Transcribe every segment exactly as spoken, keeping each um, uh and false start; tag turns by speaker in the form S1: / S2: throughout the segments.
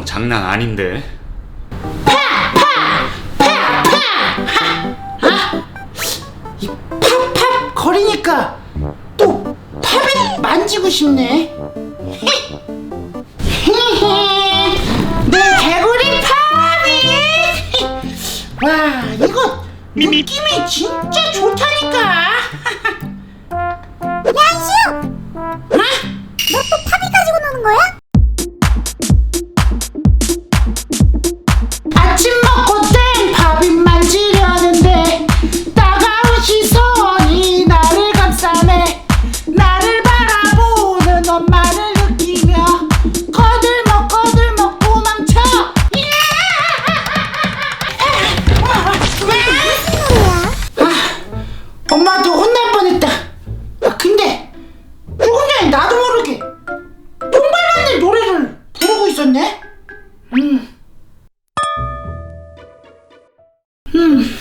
S1: 장난 아닌데.
S2: 이 팝팝 거리니까 또 팝이 만지고 싶네. 내 개구리 팝이. 와, 이거 느낌이 진짜 좋다니까.
S3: 야이슈! 너 또 팝이 가지고 노는 거야?
S2: 아침 먹고 땡 팝이 만지려는데 따가운 시선이 나를 감싸네. 나를 바라보는 엄마를 느끼며 거들먹 거들먹 도망쳐. 아, 엄마한테 혼날 뻔했다. 아, 근데 조금 전에 나도 모르게 똥발맞는 노래를 부르고 있었네. 음. 음.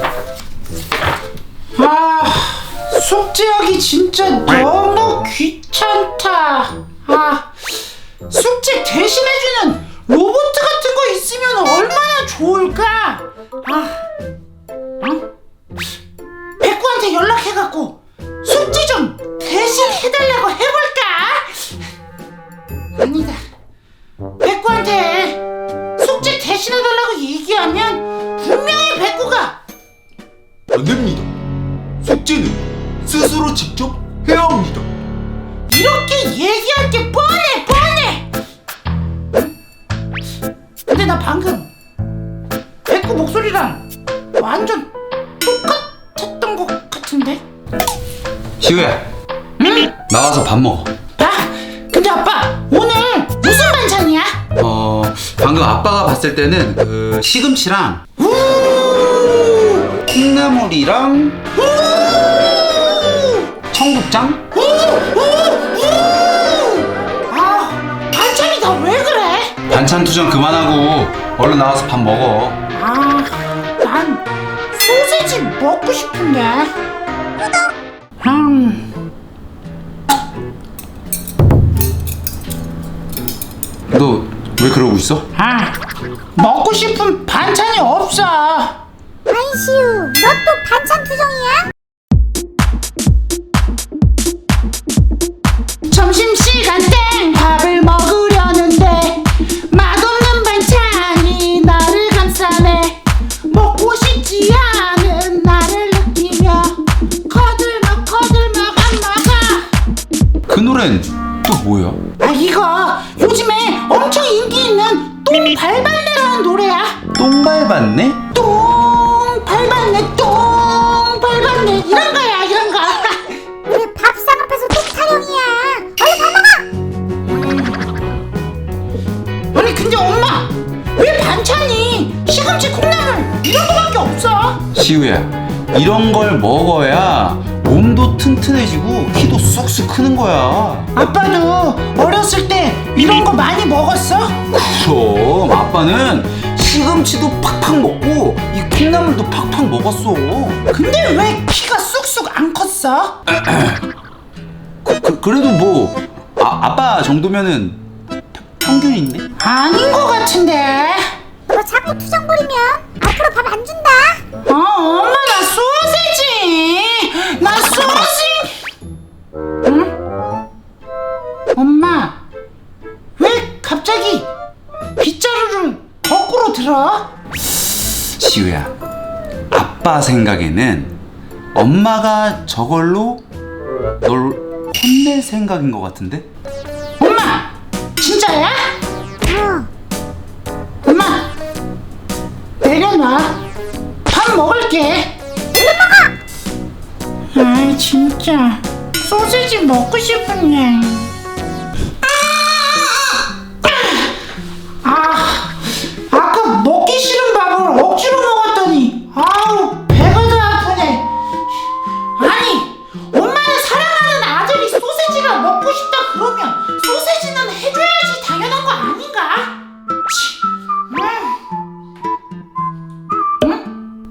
S2: 아, 숙제하기 진짜 너무 귀찮다. 아, 숙제 대신해주는 로봇 같은 거 있으면 얼마나 좋을까? 아, 응? 백구한테 연락해갖고 숙제 좀 대신 해달라고 해볼까? 아니다. 백구한테 숙제 대신 해달라고 얘기하면 분명히 백구가
S4: 안 됩니다. 숙제는 스스로 직접 해야 합니다.
S2: 이렇게 얘기할 게 뻔해 뻔해. 근데 나 방금 백구 목소리랑 완전 똑같았던 것 같은데?
S1: 시우야,
S2: 응?
S1: 나와서 밥 먹어.
S2: 아, 근데 아빠 오늘 무슨 반찬이야?
S1: 어, 방금 아빠가 봤을 때는 그 시금치랑
S2: 우!
S1: 콩나물이랑 청국장?
S2: 우! 우! 우! 아, 반찬이 다 왜 그래?
S1: 반찬 투정 그만하고 얼른 나와서 밥 먹어.
S2: 아, 난 소세지 먹고 싶은데. 음.
S1: 너 왜 그러고 있어?
S2: 아, 먹고 싶은 반찬이 없어.
S3: 아이슈, 너 또 반찬 투정이야?
S2: 점심시간 땡 밥을 먹으려는데 맛없는 반찬이 나를 감싸네. 먹고 싶지 않은 나를 느끼며 거들먹 거들먹 안 먹어.
S1: 그 노래는 또 뭐야?
S2: 아, 이거 요즘에 엄청 인기 있는 똥 밟았네라는 노래야.
S1: 똥 밟았네?
S2: 똥 밟았네 똥 밟았네 이런 거야 이런 거.
S3: 우리 밥상 앞에서 똥 타령이야. 얼른 밥 먹어!
S2: 아니 근데 엄마 왜 반찬이 시금치 콩나물 이런 거밖에 없어?
S1: 시우야, 이런 걸 먹어야 몸도 튼튼해지고 키도 쑥쑥 크는 거야.
S2: 아빠도 어렸을 때 이런 거 많이 먹었어?
S1: 그럼 아빠는 시금치도 팍팍 먹고 이 콩나물도 팍팍 먹었어.
S2: 근데 왜 키가 쑥쑥 안 컸어?
S1: 그, 그, 그래도 뭐 아, 아빠 정도면은 평균인데?
S2: 아닌 거 같은데.
S3: 너 자꾸 투정 부리면 앞으로 밥 안 준다.
S2: 어, 엄마 나 소세지 나 소세지. 응? 엄마 왜 갑자기 빗자루를 거꾸로 들어?
S1: 시우야, 아빠 생각에는 엄마가 저걸로 널 혼낼 생각인 것 같은데?
S2: 엄마 진짜야?
S3: 어,
S2: 엄마 내려놔. 밥 먹을게. 얼른 먹어. 아이 진짜 소세지 먹고 싶은데. 아, 아까 먹기 싫은 밥을 억지로 먹었더니 아우 배가 다 아프네. 아니 엄마는 사랑하는 아들이 소세지가 먹고 싶다 그러면 소세지는 해줘야지 당연한 거 아닌가? 치, 음. 응?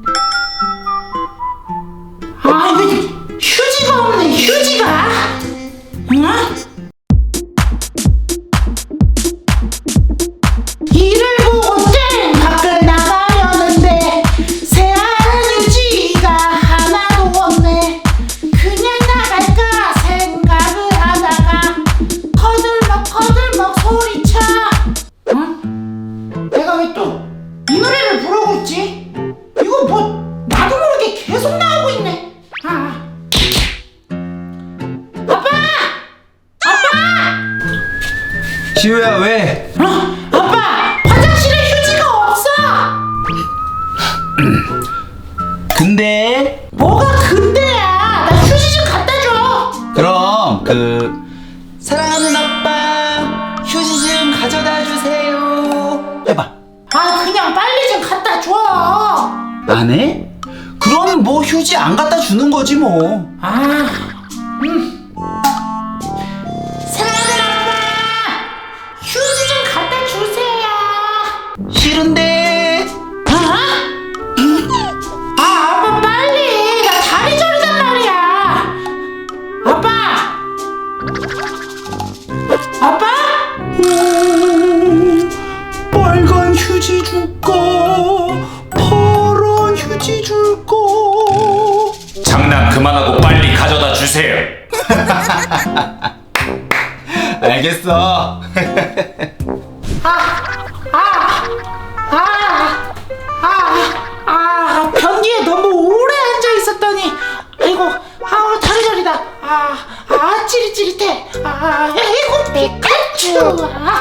S2: 아, 왜 휴지가 없네, 휴지가? 응?
S1: 시우야 왜?
S2: 어? 아빠 화장실에 휴지가 없어.
S1: 근데
S2: 뭐가 근데야? 나 휴지 좀 갖다 줘.
S1: 그럼 그 사랑하는 아빠 휴지 좀 가져다 주세요 해봐.
S2: 아 그냥 빨리 좀 갖다 줘.
S1: 안 해? 그럼 뭐 휴지 안 갖다 주는 거지 뭐.
S2: 아, 음. 사랑하는 아빠 휴지 좀 갖다 주세요.
S1: 싫은데.
S2: 아? 아 아빠 빨리 나 다리 저리단 말이야. 아빠 아빠
S1: 오, 빨간 휴지 줄까? 파란 휴지 줄까?
S5: 장난 그만하고 빨리 가져다 주세요.
S1: 알겠어.
S2: 아, 아, 변기에 너무 오래 앉아 있었더니, 아이고, 아, 다리 저리다. 아, 아, 찌릿찌릿해. 아, 아이고, 피카츄. 아,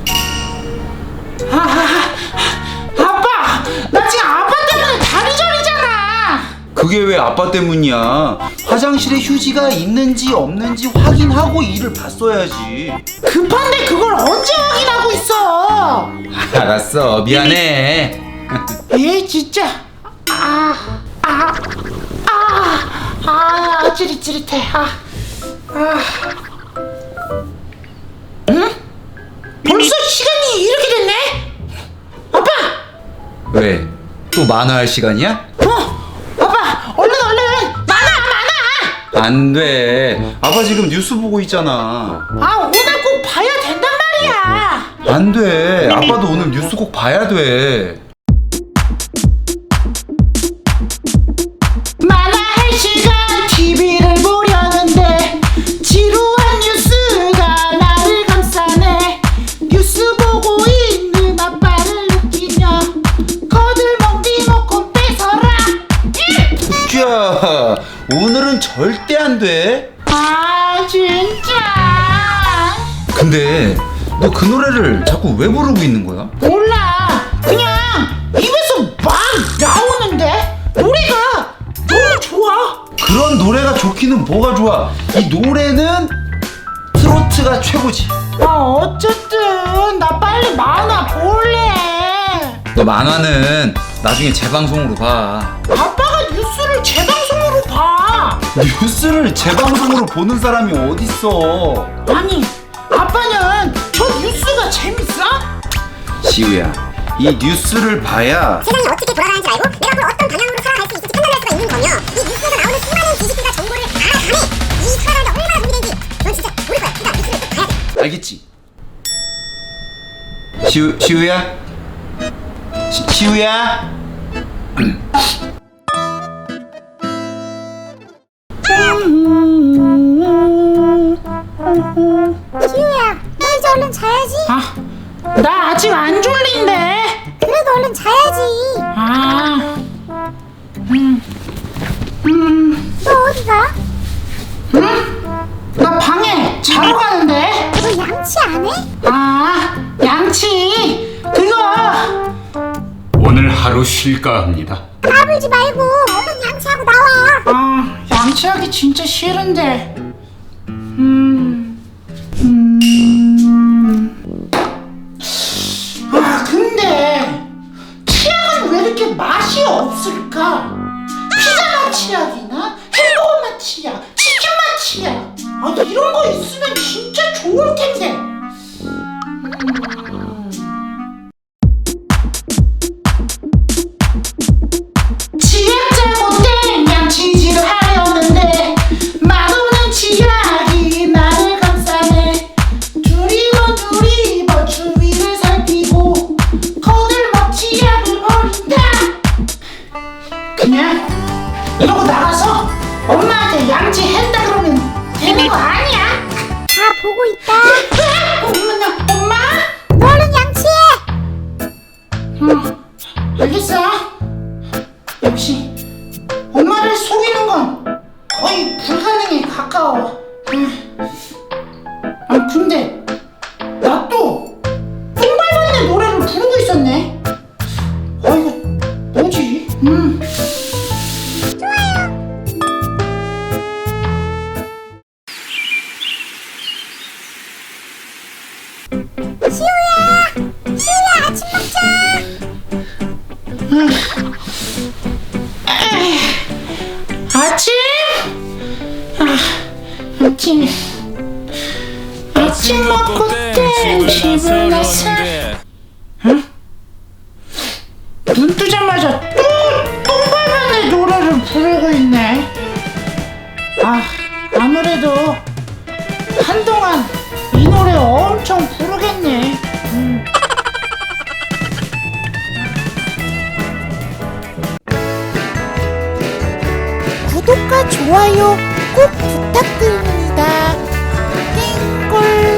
S2: 아, 아, 아빠, 나 지금 아빠 때문에 다리 저리잖아.
S1: 그게 왜 아빠 때문이야? 화장실에 휴지가 있는지 없는지 확인하고 일을 봤어야지.
S2: 급한데 그걸 언제 확인하고 있어?
S1: 알았어, 미안해.
S2: 에 진짜 아 아 아 아 찌릿찌릿해. 아, 아. 응? 벌써 시간이 이렇게 됐네? 아빠!
S1: 왜? 또 만화할 시간이야?
S2: 어! 아빠! 얼른 얼른! 많아 많아!
S1: 안 돼. 아빠 지금 뉴스 보고 있잖아.
S2: 아 오늘 꼭 봐야 된단 말이야.
S1: 안 돼. 아빠도 오늘 뉴스 꼭 봐야 돼.
S2: 만화할 시간 티비를 보려는데 지루한 뉴스가 나를 감싸네. 뉴스 보고 있는 아빠를 느끼며 거들먹니 먹고 뺏어라.
S1: 자, 오늘은 절대 안 돼.
S2: 아 진짜
S1: 근데 너 그 노래를 자꾸 왜 부르고 있는 거야?
S2: 몰라. 그냥 입에서 막 나오는데 노래가 너무 좋아.
S1: 그런 노래가 좋기는 뭐가 좋아? 이 노래는 트로트가 최고지.
S2: 아 어쨌든 나 빨리 만화 볼래.
S1: 너 만화는 나중에 재방송으로 봐.
S2: 아빠가 뉴스를 재방송으로 봐.
S1: 뉴스를 재방송으로 보는 사람이 어딨어?
S2: 아니 아빠는 저 뉴스가 재밌어?
S1: 시우야, 이 뉴스를 봐야
S3: 세상이 어떻게 돌아가는지 알고 내가 앞으로 어떤 방향으로 살아갈 수 있을지 판단할 수가 있는 거며 이 뉴스에서 나오는 수많은 지식들과 정보를 다 감해 이 살아가는데 얼마나 도움이 되는지 넌 진짜 모를 거야. 그러니까 뉴스를 꼭 봐야 돼.
S1: 알겠지? 시우, 시우야? 시, 시우야?
S3: 지우야 너 이제 얼른 자야지.
S2: 아, 나 아직 안 졸린데.
S3: 그래도 얼른 자야지.
S2: 아, 음, 음,
S3: 너 어디가?
S2: 음? 나 방에 자러 가는데.
S3: 너 양치 안 해?
S2: 아, 양치. 그거.
S5: 오늘 하루 쉴까 합니다.
S3: 까불지 말고 얼른 양치하고 나와.
S2: 아, 양치하기 진짜 싫은데. 음, 음. 아, 근데 치약은 왜 이렇게 맛이 없을까? 피자 맛 치약이나 햄버거 맛 치약, 치킨 맛 치약. 아, 이런 거 있으면 진짜 좋을 텐데. 치약 잘못된 양치질을 하려는데 맛없는 치약이 나를 감싸네. 두리번 두리번 주위를 살피고 거들먹 치약을 버린다. 그냥 이러고 나가서 엄마한테 양치했다 그러면 되는 거 아니야?
S3: 다 보고 있다.
S2: 엄마, 엄마?
S3: 너 얼른 양치해.
S2: 응, 알겠어. 역시 엄마를 속이는 건 거의 불가능에 가까워. 음. 아 근데 나 또 음. 에이. 아침? 아, 아침. 아침 먹고 땡 집을 나서. 응? 눈 뜨자마자 또 똥발만의 노래를 부르고 있네. 아, 아무래도 한동안 이 노래 엄청 부르겠네. 음.
S6: 구독과 좋아요 꼭 부탁드립니다. 땡골